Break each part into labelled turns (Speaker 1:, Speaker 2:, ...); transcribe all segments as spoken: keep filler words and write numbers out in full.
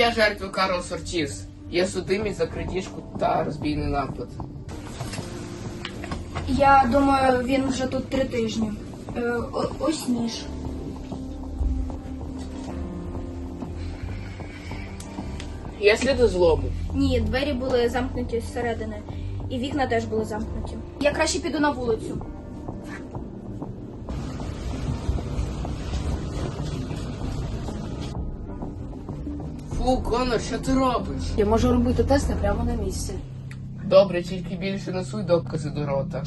Speaker 1: Я жертва Карлос Ортіс. Я судимий за крадіжку та розбійний напад.
Speaker 2: Я думаю, він вже тут три тижні. Е, о- ось ніж.
Speaker 1: Є сліди злому.
Speaker 2: Ні, двері були замкнуті зсередини. І вікна теж були замкнуті. Я краще піду на вулицю.
Speaker 1: Фу, Конор, що ти робиш?
Speaker 3: Я можу робити тести прямо на місці.
Speaker 1: Добре, тільки більше не суй докази до рота.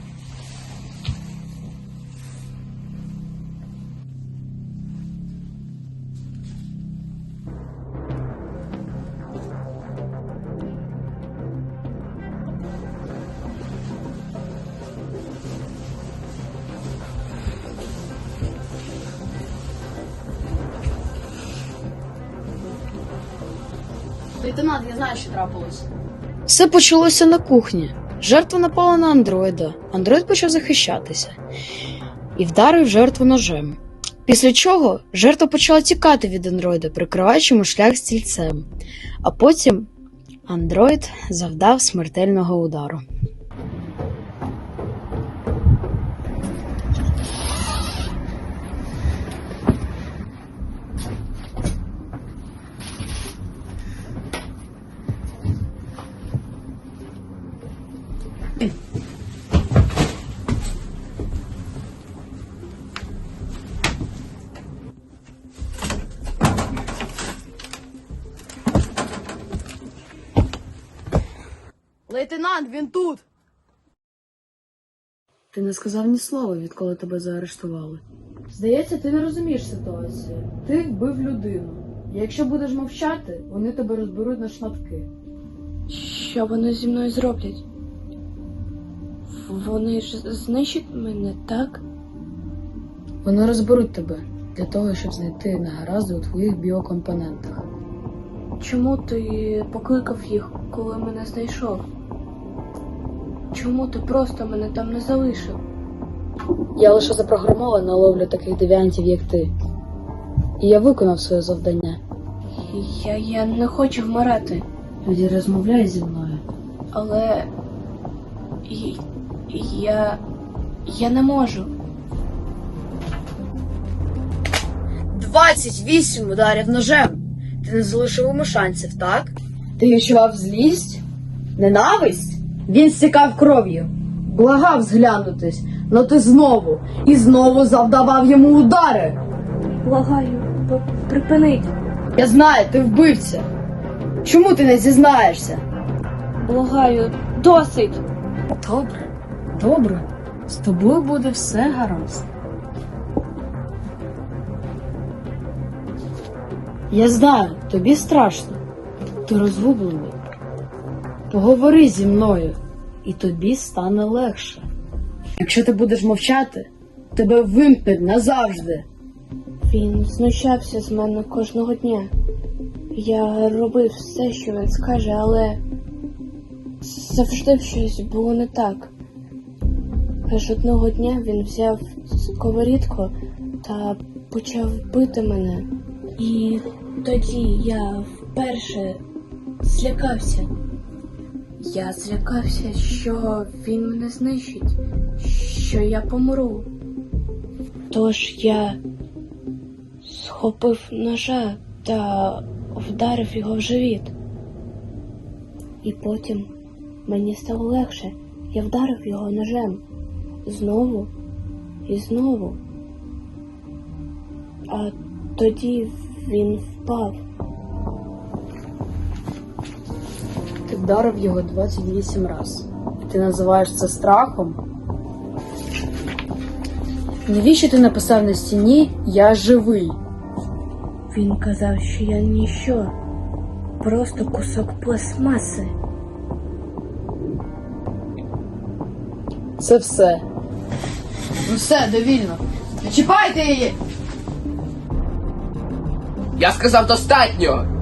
Speaker 3: Лейтенант, я знаю, що трапилось.
Speaker 4: Все почалося на кухні. Жертва напала на андроїда. Андроїд почав захищатися і вдарив жертву ножем. Після чого жертва почала тікати від андроїда, прикриваючи йому шлях стільцем. А потім андроїд завдав смертельного удару.
Speaker 3: Лейтенант, він тут!
Speaker 4: Ти не сказав ні слова, відколи тебе заарештували.
Speaker 3: Здається, ти не розумієш ситуацію. Ти вбив людину. І якщо будеш мовчати, вони тебе розберуть на шматки.
Speaker 5: Що вони зі мною зроблять? Вони ж знищать мене, так?
Speaker 4: Вони розберуть тебе для того, щоб знайти негаразди у твоїх біокомпонентах.
Speaker 5: Чому ти покликав їх, коли мене знайшов? Чому ти просто мене там не залишив?
Speaker 4: Я лише запрограмована на ловлю таких девіантів, як ти. І я виконав своє завдання.
Speaker 5: Я, я не хочу вмирати,
Speaker 4: Тоді розмовляй зі мною.
Speaker 5: але і- я. я не можу.
Speaker 4: Двадцять вісім ударів ножем. Ти не залишив йому шансів, так? Ти відчував злість? Ненависть? Він стікав кров'ю. Благав зглянутись, но ти знову і знову завдавав йому удари.
Speaker 5: Благаю, п- припиніть.
Speaker 4: Я знаю, ти вбивця. Чому ти не зізнаєшся?
Speaker 5: Благаю, досить.
Speaker 4: Добре, добре. З тобою буде все гаразд. Я знаю, тобі страшно. Ти розгублений. Поговори зі мною, і тобі стане легше. Якщо ти будеш мовчати, тебе вимкнуть назавжди.
Speaker 5: Він знущався з мене кожного дня. Я робив все, що він скаже, але завжди щось було не так. Аж одного дня він взяв сковорідку та почав бити мене. І тоді я вперше злякався. Я злякався, що він мене знищить, що я помру. Тож я схопив ножа та вдарив його в живіт. І потім мені стало легше. Я вдарив його ножем. Знову і знову. А тоді він впав.
Speaker 4: Ти вдарив його двадцять вісім разів. Ти називаєш це страхом? Навіщо ти написав на стіні «Я живий»?
Speaker 5: Він казав, що я ніщо. Просто кусок пластмаси.
Speaker 4: Це все. Ну все, довільно. Не чіпайте її!
Speaker 1: Я сказав достатньо!